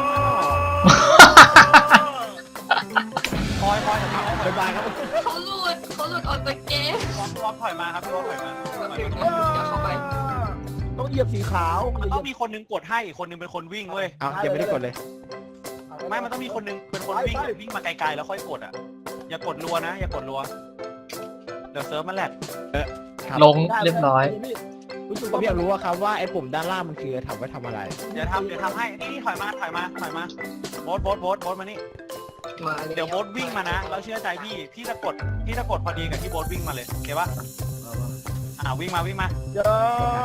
[SPEAKER 2] คอยคอยถอยมาถอย
[SPEAKER 3] บา
[SPEAKER 2] มา
[SPEAKER 3] ยครับ
[SPEAKER 4] เขาหลุดเขาหลุดออกจากเกม
[SPEAKER 2] พี่วอมพี่วอมถอยมาครับพี่วอมถอยมาถอยมา
[SPEAKER 4] เดี๋ยวเข้าไป
[SPEAKER 5] ต้องเหยียบสีขาว
[SPEAKER 2] มันต้องมีคนนึงกดให้อีกคนนึงเป็นคนวิ่งเว้ย
[SPEAKER 3] เอายังไม่ได้กดเลย
[SPEAKER 2] ไม่มันต้องมีคนนึงเป็นคนวิ่งวิ่งมาไกลๆแล้วค่อยกดอ่ะอย่ากดรัวนะอย่ากดรัวเดี๋ยวเซิร์ฟมันแหลก
[SPEAKER 3] ครับ
[SPEAKER 1] ลงเรียบร้อย
[SPEAKER 5] รู้สึก
[SPEAKER 3] ผม
[SPEAKER 5] ว่า
[SPEAKER 3] อยากรู้ว่าครับว่าไอ้ปุ่มด้านล่างมันคือทำไว้ทำอะไร
[SPEAKER 2] เดี๋ยวทำเดี๋ยวทำให้นี่นี่ถอยมาถอยมาถอยมาโบ๊ทโบ๊ทโบ๊ทโบ๊ทมานี่
[SPEAKER 4] มา
[SPEAKER 2] เดี๋ยวโบ๊ทวิ่งมานะแล้วเชื่อใจพี่พี่จะกดพี่จะกดพอดีกับที่โบ๊ทวิ่งมาเลยโอเคปะอ่าวิ่งมาวิ่งมา
[SPEAKER 5] อย่า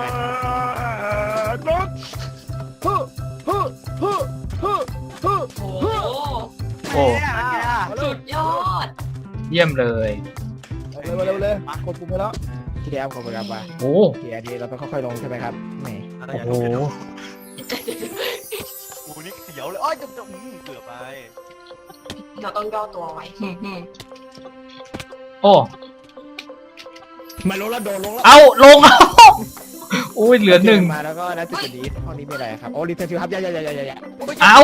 [SPEAKER 5] ลดฮึฮึฮึฮึฮึ
[SPEAKER 4] โอ้โห
[SPEAKER 1] โอ้
[SPEAKER 2] เนี่ยเป็นไงล่ะ
[SPEAKER 4] สุดยอด
[SPEAKER 1] เยี่ยมเลย
[SPEAKER 5] เร็วเร็วเลยกดปุ่มไปแล้ว
[SPEAKER 3] ที่แล้วขอบคุณครับว่า
[SPEAKER 1] โอ้
[SPEAKER 3] โอเคอันนี้เราต้องค่อยๆลงใช่ไหมครับแหม
[SPEAKER 1] โอ้โห
[SPEAKER 2] โอ้โหนี่เสียวเลยอ้อยจะจะอืมเกือบไป
[SPEAKER 4] เราต้องย่อตัวไว้
[SPEAKER 1] โอ้
[SPEAKER 3] มาลงแล้วโดนลงแล้ว
[SPEAKER 1] เอาลงเอาอุ้ยเหลือหนึ่ง
[SPEAKER 3] มาแล้วก็ณจุดนี้ห้องนี้มีอะไรครับโอ้รีเทนฟิวครับอย่าอย่าอย่าอย่าอย่า
[SPEAKER 1] เอา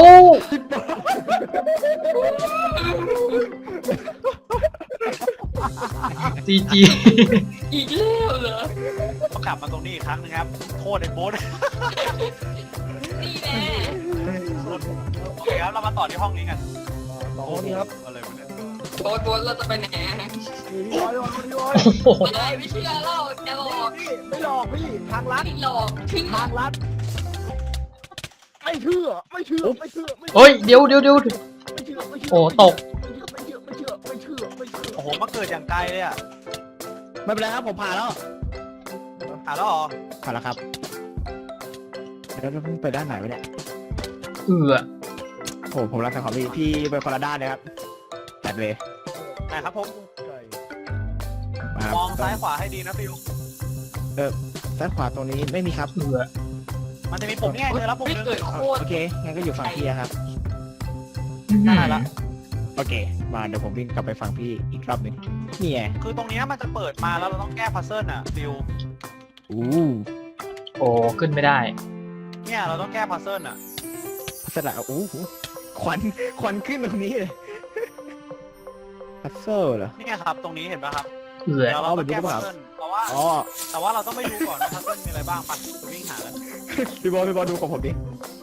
[SPEAKER 1] จีจี
[SPEAKER 4] อีกแล้วเหรอ
[SPEAKER 2] ต้องกลับมาตรงนี้อีกครั้งนึงครับโทษไอ้โบ๊ท
[SPEAKER 4] นี่แน่
[SPEAKER 2] โอเคครับเรามาต่อที่ห้องนี้กัน
[SPEAKER 5] ต่อนี้ครับ
[SPEAKER 2] อะไรวะเนี่ย
[SPEAKER 4] โบนโบนเราจะไปไหนอะ
[SPEAKER 5] พี่ร้อยพี่ร้อย
[SPEAKER 1] โอ้โห
[SPEAKER 4] ไม่ไม่เชื่อเราจะหลอก
[SPEAKER 5] พี่ไม่หลอกพี่ทางลัด
[SPEAKER 4] ไม่หลอกถึง
[SPEAKER 5] ทางลัดไม่เชื่อไม่เชื่อไม่เชื่อไม่
[SPEAKER 1] เฮ้ยเดี๋ยวเดี๋ยวเดี๋ยว
[SPEAKER 5] ไม่เชื่อไม่เชื่อ
[SPEAKER 1] โอ้ตก
[SPEAKER 5] ไม่เชื่อไม่เชื่อไม่เชื่อไม่เชื่อ
[SPEAKER 2] โอ้โหมาเกิดอย่างไกลเลยอ่ะ
[SPEAKER 3] ไม่เป็นไรครับผมผ่านแล้ว
[SPEAKER 2] หาแล้วเหรอ
[SPEAKER 3] ผ่านแล้วครับแล้วเราไปด้านไหนวะเนี่ย
[SPEAKER 1] เอือ
[SPEAKER 3] โอ้ผมรักแต่ของพี่พี่ไปคนละด้านเลยครับจัดเลย
[SPEAKER 2] ไหนครับผม
[SPEAKER 3] มาครับ
[SPEAKER 2] มองซ้ายขวาให้ดีนะฟิว
[SPEAKER 3] ซ้ายขวาตรงนี้ไม่มีครับ
[SPEAKER 1] เอือ
[SPEAKER 2] มันจะมีปุ่มนี่ไงเจอแล้วปุ่ม
[SPEAKER 4] ไม่
[SPEAKER 2] นึง
[SPEAKER 4] เกิดโคตร
[SPEAKER 3] โอเคงั้นก็อยู่ฝั่งพี่อะครับ
[SPEAKER 2] ได้ละ
[SPEAKER 3] โอเค มาเดี๋ยวผมวิ่งกลับไปฝั่งพี่อีกรอบหนึงนี่ไง
[SPEAKER 2] คือตรงเนี้ยมันจะเปิดมาแล้วเราต้องแก้พัซเซิลอ่ะฟิว
[SPEAKER 3] อู้
[SPEAKER 1] โอ้ขึ้นไม่ได้
[SPEAKER 2] เนี่ยเราต้องแก้พัซเซิลอ่ะ
[SPEAKER 3] พัสดุอู้หูควันควันขึ้นตรงนี้เลยพัซเซิลเหรอ
[SPEAKER 2] นี่ไงครับตรงนี้เห็นป่ะครับ
[SPEAKER 1] เอือ
[SPEAKER 2] เดี๋ยวเราต้องแก้พัซเซิลเพราะว่า
[SPEAKER 3] อ๋อ
[SPEAKER 2] แต่ว่าเราต้องไม่รู้ก่อนว่าพัซเซิลมีอะไรบ้างไปไปวิ่งหาแล้ว
[SPEAKER 3] พี่บอลพี่บอลดูของผมดิ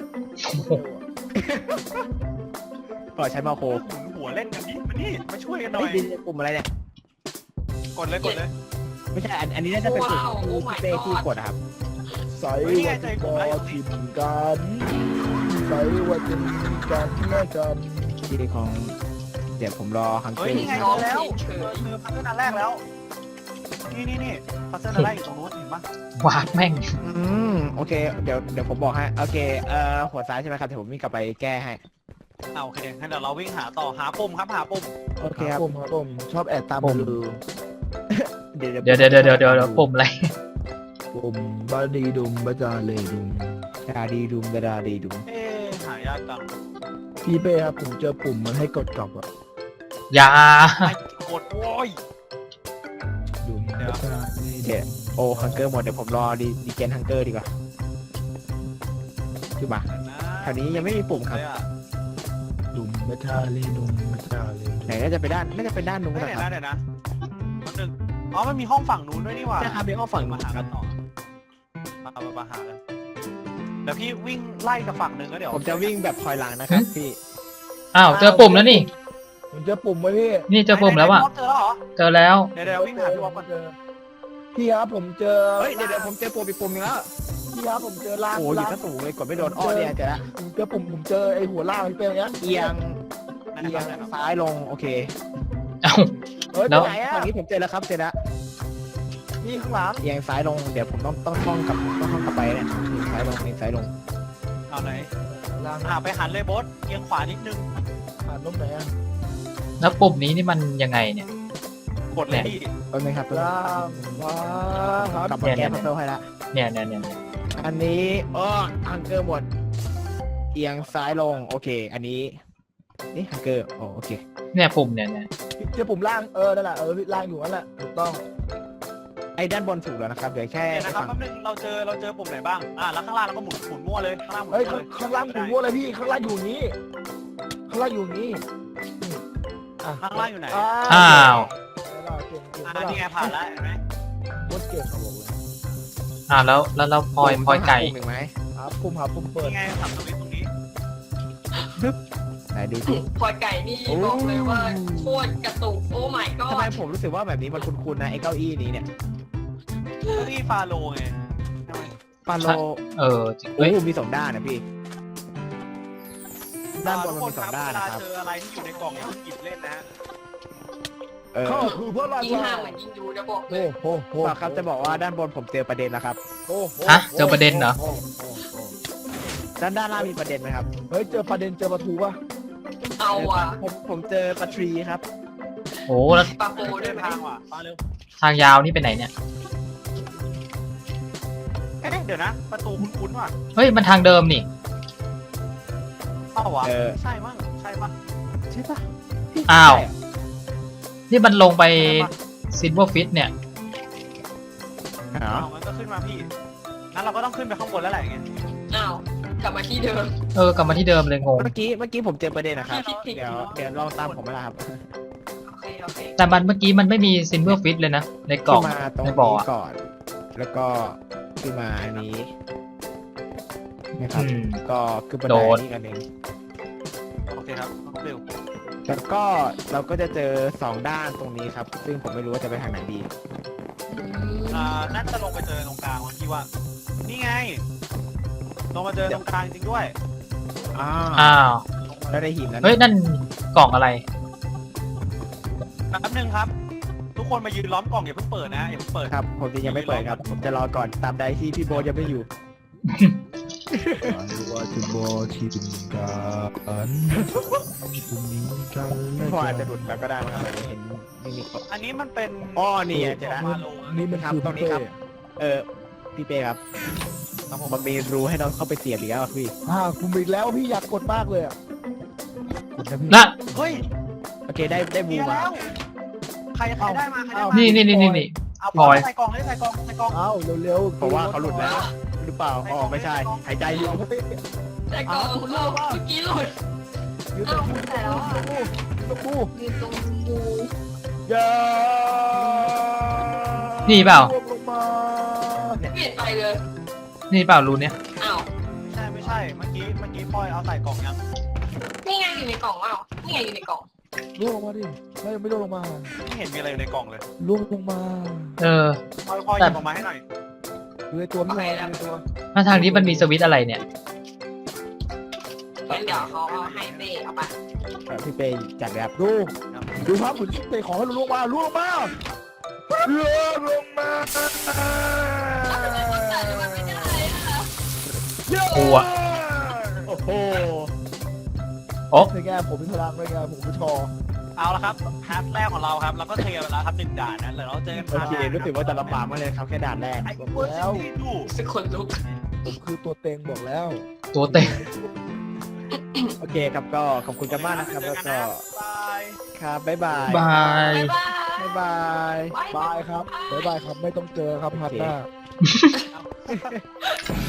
[SPEAKER 3] ปล่อยใช้มาโค
[SPEAKER 2] หมุนหัวเล่นกันดิมานี่มาช่วยกันหน่อ
[SPEAKER 3] ไม่
[SPEAKER 2] ย
[SPEAKER 3] ดีปุ่มอะไรเนี่ย
[SPEAKER 2] กดเลยกดเลย
[SPEAKER 3] ไม่ใช่อันอันนี้น่าจะเป็นปุ่มที่พี่เป้ที่กดอะครับ
[SPEAKER 5] ใส่ว่าจะกอดทิมกันใส่ว่าจะมีกันแม่กัน
[SPEAKER 3] ที่ของเดี๋ยวผมรอฮังเก
[SPEAKER 2] เฮ้
[SPEAKER 3] อย ร์
[SPEAKER 2] นี่ไง
[SPEAKER 4] น้
[SPEAKER 2] เจ
[SPEAKER 4] อง
[SPEAKER 2] อแล้ว
[SPEAKER 4] เฉ
[SPEAKER 2] เจอย เจอพัซเซิลอันแรกแล้ว นี่นี่นี่พัซเซิลอันแรกอยู่ตรงนู้นเห็นปะ
[SPEAKER 1] วาดแม่ง
[SPEAKER 3] อืมโอเคเดี๋ยวเดี๋ยวผมบอกให้โอเคเอ่อหัวซ้ายใช่ไหมครับเดี๋ยวผมวิ่งกลับไปแก้ให้
[SPEAKER 2] เอาโอเคงั้นเดี๋ยวเราวิ่งหาต่อหาปุ่มครับหาปุ่ม
[SPEAKER 3] โอเคครับ
[SPEAKER 5] ผมครับผมชอบแอบตาม
[SPEAKER 3] ผม
[SPEAKER 5] ดู
[SPEAKER 3] เดี๋ยว
[SPEAKER 1] เดี๋ยวเดี๋ยวเดี๋ยวเดี๋ยวเดี๋ยวปุ่มอะไร
[SPEAKER 5] ผมบาดีดุมบาจาเลดุม
[SPEAKER 3] ดาดีดุมดาดีดุม
[SPEAKER 2] เอ๊ะหายากจัง
[SPEAKER 5] พี่เป้ครับผมเจอปุ่มมันให้กดกลับอะ
[SPEAKER 1] อย่า
[SPEAKER 2] ไม่กดโว้ย
[SPEAKER 5] ดุมบาจาเล
[SPEAKER 3] เดี๋ยวโอ้ฮังเกอร์หมดเดี๋ยวผมรอดีดีเจนฮังเกอร์ดีกว่าคือมาแถวนี้ยังไม่มีปุ่มครับ
[SPEAKER 2] เลยอะ
[SPEAKER 5] ดุมบาจาเลดุมบาจาเลดุม
[SPEAKER 3] ไหนน่าจะไปด้านน่าจะเป็นด้านนู้น
[SPEAKER 2] เฮ้ย
[SPEAKER 3] นะ
[SPEAKER 2] เดี๋ยว
[SPEAKER 3] ครับ
[SPEAKER 2] นะเดี๋ยวนะแป๊บนึงอ๋อมันมีห้องฝั่งนู้นด้วยนี่หว่า
[SPEAKER 3] ใช่ครับมีห้องฝั่งนู้
[SPEAKER 2] มาน หา
[SPEAKER 3] ค
[SPEAKER 2] กั
[SPEAKER 3] รับ
[SPEAKER 2] นต่อมามามาหากันเดี๋ยวพี่วิ่งไล่กับฝั่งหนึ่งก็เดี๋ยว
[SPEAKER 3] ผมจะวิ่งแบบถอยหลังนะครับพี่
[SPEAKER 1] อ้าวเจอปุ่มแล้วนี่
[SPEAKER 5] ผมเจอปุ่มไว้พี่
[SPEAKER 1] นี่เจอปุ่มแล้วอ่ะ
[SPEAKER 2] เจอแล้วเหรอ
[SPEAKER 1] เจอแล้ว
[SPEAKER 2] เดี๋ยวเดี๋ยววิ่งหาพี่วอปก่อน
[SPEAKER 5] เจอพี่ครับผมเจอ
[SPEAKER 3] เฮ้ยเดี๋ยวเดี๋ยวผมเจอปุ่มอีกปุ่มหนึงแล้ว
[SPEAKER 5] พี่ครับผมเจอล่าง
[SPEAKER 3] โอ้ยอยู่
[SPEAKER 5] ล่าง
[SPEAKER 3] ซะสูงเลยกดไม่โดนอ้อเนี่ยเจอละ
[SPEAKER 5] ผมเจอปุ่มผมเจอไอ้หัวล่างที่เป็นอย่างเงี้ย
[SPEAKER 3] เอียง
[SPEAKER 2] นะ
[SPEAKER 3] เอี
[SPEAKER 2] ค
[SPEAKER 3] ย
[SPEAKER 2] รับ
[SPEAKER 3] ง
[SPEAKER 2] นะครับ
[SPEAKER 3] ซ้ายลงโอเค
[SPEAKER 1] เอ้า
[SPEAKER 5] เฮ้ย
[SPEAKER 1] แล้
[SPEAKER 5] ไป
[SPEAKER 1] ว
[SPEAKER 5] ไหนอะ
[SPEAKER 3] ฝั่งนี้ผมเจอแล้วครับเจอแล้ว
[SPEAKER 5] นี่ข้างหลัง
[SPEAKER 3] เอียงซ้ายลงเดี๋ยวผมต้องต้องท่องกับต้องท่องกลับไปเนี่ยเอียงซ้ายลงเอียงซ้ายลง
[SPEAKER 2] เอาไหน
[SPEAKER 5] ล่าง
[SPEAKER 2] อ่าไปหันเลยโบสเอียงขวานิดนึง
[SPEAKER 5] ผ่านตรงไหนอะ
[SPEAKER 1] แล้วปุ่มนี้นี่มันยังไงเนี่ย
[SPEAKER 2] กดเลยพี่
[SPEAKER 3] แป๊บนึงครับ
[SPEAKER 5] ล่างขวาครับ
[SPEAKER 3] กลับมาแก้พัซเซิลให้ละ
[SPEAKER 1] เนี่ยเนี่ยเนี่ยเนี่ย
[SPEAKER 3] อันนี้อ้อฮังเกอร์หมดอียงซ้ายลงโอเค อันนี้นี่ฮังเกอร์โอโอเค
[SPEAKER 1] เนี่ยปุ่มเนี่ยเนี่ย
[SPEAKER 5] เจอปุ่มล่างเออนั่นแหละเออล่างอยู่นั่นแหละถูกต้อง
[SPEAKER 3] ไอ้ด้านบนถูกแล้วนะครับเดี๋ยวแค่
[SPEAKER 2] เดี๋ยวนะครับ
[SPEAKER 3] ฝั่ง
[SPEAKER 2] แป๊บนึงเราเจอเราเจอปุ่มไหนบ้างอ่าแล้วข้างล่างเราก็หมุนหมุนมั่วเลยข้างล่างหมุน
[SPEAKER 5] เฮ้ย
[SPEAKER 2] มั่ว
[SPEAKER 5] ข้าง
[SPEAKER 2] เลย
[SPEAKER 5] ข้างล่างหมุนวัวเลยพี่ข้างล่างอยู่อย่างนี้ข้างล่างอยู่อย่างนี้นี่อ่ะ
[SPEAKER 2] ข้างล่างอยู่ไหน
[SPEAKER 1] อ้าว
[SPEAKER 5] เก่งเก่ง
[SPEAKER 2] อ่า
[SPEAKER 5] เก่ง
[SPEAKER 2] นี่ไงผ่านแล้วเห็นไหม
[SPEAKER 5] โคตรเก่งครับผม
[SPEAKER 1] อ่าแล้วแล้วเราพลอยพลอยไก่
[SPEAKER 3] ปุ่มหนึ่งไหม
[SPEAKER 5] หาปุ่มหาปุ่มเปิด
[SPEAKER 2] นี่ไงสับสวิตช์ตรงนี้
[SPEAKER 3] ไหนดูสิ
[SPEAKER 4] พอไก่นี่บอกเลยว่าโคตรกระตุกโอ้ my
[SPEAKER 3] ทำไม
[SPEAKER 4] god
[SPEAKER 3] ผมรู้สึกว่าแบบนี้มันคุ้นๆนะไอ้เก้าอี้นี้เนี่ย
[SPEAKER 2] เก้าอี้ฟาโลไงทำไม
[SPEAKER 3] ปาโล
[SPEAKER 1] เออจริง
[SPEAKER 3] โอ้
[SPEAKER 1] เฮ้ย
[SPEAKER 3] มีสองด้านนะพี่ด้านบนมันมีสองด้าน
[SPEAKER 2] เวลา
[SPEAKER 3] นะครับ
[SPEAKER 2] เจออะไรที่อยู่ในกล่องอย่าเพิ่งหยิบเล่นนะฮะ
[SPEAKER 3] เออ
[SPEAKER 5] เข้าคือเพื่อรา
[SPEAKER 4] ยิ่ง
[SPEAKER 5] ชา
[SPEAKER 4] ห้ามเหมือนยิ่งดูจะบอกเล
[SPEAKER 5] โอ้
[SPEAKER 4] ย
[SPEAKER 5] โหโห
[SPEAKER 3] ฝากครับจะบอกว่าด้านบนผมเจอประเด็นแล้วครับ
[SPEAKER 5] โอ้โห
[SPEAKER 1] ฮะเจอประเด็นเหรอ
[SPEAKER 5] โโโอ้โห
[SPEAKER 3] ด้านด้านล่างมีประเด็นไหมครับ
[SPEAKER 5] เฮ้ยเจอประเด็นเจอประตูป่ะ
[SPEAKER 4] เอาว่ะ
[SPEAKER 3] ผมผมเจอปลาทรีครับ
[SPEAKER 1] โอ้แล้ว
[SPEAKER 4] ปลาโป
[SPEAKER 2] เดิ
[SPEAKER 4] ด้วย
[SPEAKER 2] น
[SPEAKER 4] ไหม
[SPEAKER 2] ทางว่ะมาเร็ว
[SPEAKER 1] ทางยาวนี่ไปไหนเนี่ย
[SPEAKER 2] เอ๊ะเดี๋ยวนะ ประตูคุ้นๆว่ะ
[SPEAKER 1] เฮ้ยมันทางเดิมนี่
[SPEAKER 2] เอ้าวะ
[SPEAKER 3] เออ
[SPEAKER 2] ใช่มั้งใช่มั้ง
[SPEAKER 3] ใช่ปะ
[SPEAKER 1] อ้าว
[SPEAKER 3] ใช่เหร
[SPEAKER 1] นี่มันลงไปซิลเวอร์ฟิตเนี่ย
[SPEAKER 3] อ๋อ
[SPEAKER 2] เอางั้นก็ขึ้นมาพี่งั้นเราก็ต้องขึ้นไปข้างบนแล้วแหละอย่างเงี้ย
[SPEAKER 4] อ้าวกลับมาที่เดิม
[SPEAKER 1] เออกลับมาที่เดิมเลยงง
[SPEAKER 3] เมื่อกี้เมื่อกี้ผมเจอประเด็นนะครับ
[SPEAKER 4] ผิดผิด
[SPEAKER 3] เดี๋ยวเดี๋ยวลองตามผมมาละครับ
[SPEAKER 4] โอเคโอเค
[SPEAKER 1] แต่มันเมื่อกี้มันไม่มีซิลเวอร์ฟิตเลยนะ ในกล่อง
[SPEAKER 3] ขึ้นมาตรง
[SPEAKER 1] ในบ่อ
[SPEAKER 3] นี้
[SPEAKER 1] อะ
[SPEAKER 3] ก่อน แล้วก็ขึ้นมาอันนี้นะครับ
[SPEAKER 1] อืม
[SPEAKER 3] ก็คือบัน
[SPEAKER 1] โด
[SPEAKER 3] ได
[SPEAKER 1] น
[SPEAKER 3] นี้กันเอง
[SPEAKER 2] โอเคครับเร็ว
[SPEAKER 3] แล้วก็เราก็จะเจอสองด้านตรงนี้ครับ ซึ่งผมไม่รู้ว่าจะไปทางไหนดี
[SPEAKER 4] อืม
[SPEAKER 2] อ่าน่าจะลงไปเจอตรงกลางวันที่ว่า นี่ไง ลงมาเจอตรงกลางจริงด้วย
[SPEAKER 3] อ้า
[SPEAKER 1] อ้าว
[SPEAKER 3] แล้วได้หินแล้ว
[SPEAKER 1] เฮ้ยนั่นกล่องอะไร
[SPEAKER 2] แป๊บนึงครับ ทุกคนมายืนล้อมกล่องอย่าเพิ่งเปิดนะอย่าเพิ่งเปิด
[SPEAKER 3] ครับ ผมจะยังไม่เปิดครับ ผมจะรอก่อนตามใดที่พี่โบทยังไม่อยู่
[SPEAKER 5] ว่าจะบอกที่เป็นการจะมีกันและ
[SPEAKER 3] พออาจ
[SPEAKER 5] กั
[SPEAKER 3] จะ
[SPEAKER 5] น
[SPEAKER 3] หลุดแล้วก็ได้นะครับเห็นไม่มี
[SPEAKER 2] อันนี้มันเป็น
[SPEAKER 3] อ้อนี่ไงเจอ
[SPEAKER 2] ข
[SPEAKER 3] แล้
[SPEAKER 2] อง
[SPEAKER 3] ว
[SPEAKER 2] ฟาโล
[SPEAKER 5] นี่มัน
[SPEAKER 3] ครับ
[SPEAKER 5] คือ
[SPEAKER 3] ตรงนี้ครับ เออพี่เป้ครับ
[SPEAKER 2] ครับผม
[SPEAKER 3] มันมีรูให้เราเข้าไปเสียบอีกแล้วอะพี่
[SPEAKER 5] อ่าคุณอีกแล้วพี่อยากกดมากเลยอ่ะกดนะพี่
[SPEAKER 1] ละ
[SPEAKER 2] เฮ้ย
[SPEAKER 3] โอเคได้ได้บู
[SPEAKER 2] เบียร์
[SPEAKER 3] มา
[SPEAKER 2] แล้ว ใครใครได้มาใครได้มา
[SPEAKER 1] นี่นี่นี่นี่นี่
[SPEAKER 2] เอา
[SPEAKER 1] พลอย
[SPEAKER 2] ใส่กล่องเลยใส่กล่องใส่กล่อง
[SPEAKER 5] เอ้าเร็วๆ
[SPEAKER 3] เพราะว่าเขาหลุดแล้ว หรือเปล่าอ๋อไม่ใช่ หายใจอยู่
[SPEAKER 4] แต่ก่อนหลุดเมื่อกี้หลุด
[SPEAKER 5] ยืนตรงบู
[SPEAKER 4] แต่แล้วอะ
[SPEAKER 5] ตรงบู
[SPEAKER 4] ยืนตรงบู
[SPEAKER 5] อย่า
[SPEAKER 1] นี่เปล่า
[SPEAKER 5] ลงมา
[SPEAKER 4] เปลี่ยนไปเลย
[SPEAKER 1] นี่เปล่ารูเนี้ย
[SPEAKER 4] อ้าว
[SPEAKER 2] ใช่ไม่ใช่ เมื่อกี้เมื่อกี้พลอยเอาใส่กล่องยัง
[SPEAKER 4] นี่ไงอยู่ในกล่องอ้าวนี่ไงอยู่ในกล่อง
[SPEAKER 5] ล่วงลงมาดิไม่ยังไม่ล่วงลงมา
[SPEAKER 2] ไม่เห็นมีอะไรอยู่ในกล่องเลย
[SPEAKER 5] ล่วงลงมา
[SPEAKER 1] เออ
[SPEAKER 2] พลอยพลอยหยิบออกมาให้หน่อย
[SPEAKER 5] อยู่ในตัวพี่ลอยอยู่ในตัว
[SPEAKER 1] ถ้าทางนี้มันมีสวิตช์อะไรเนี่ย
[SPEAKER 4] งั้นเดี๋ยวเขาเอาให้เต้เอาไป
[SPEAKER 3] เออพี่เป้จัดแบบ
[SPEAKER 5] ดูดูครับเหมือนเตะของให้ล่วงมาล่วงลงมาล่วงลงมา
[SPEAKER 1] กลัว
[SPEAKER 3] โอ้โห
[SPEAKER 1] โอ้
[SPEAKER 5] เป็นไงผมมีพลังเป็นไงผมเป็นชอ
[SPEAKER 2] เอาละครับฮาร์ดแรกของเราครับเราก็เคลียร์ไปแล้วครับหนึ่งด่านนะเดี๋ยวเราเจอกัน
[SPEAKER 3] โอเครู้สึกว่าจะลำบากมากเลยครับแค่ด่านแรก
[SPEAKER 2] ไอ้เวอร์ซิตี้ดู
[SPEAKER 4] สึกคนลุก
[SPEAKER 5] ผมคือตัวเต็งบอกแล้ว
[SPEAKER 1] ตัวเต็ง
[SPEAKER 3] โอเคครับก็ขอบคุณกันมากนะครับ แล้วก็
[SPEAKER 2] บาย
[SPEAKER 3] ครับบ๊ายบาย
[SPEAKER 1] บาย
[SPEAKER 4] บ๊ายบาย
[SPEAKER 3] บ๊ายบาย
[SPEAKER 5] บายครับบ๊ายบายครับไม่ต้องเจอครับพัดหน้า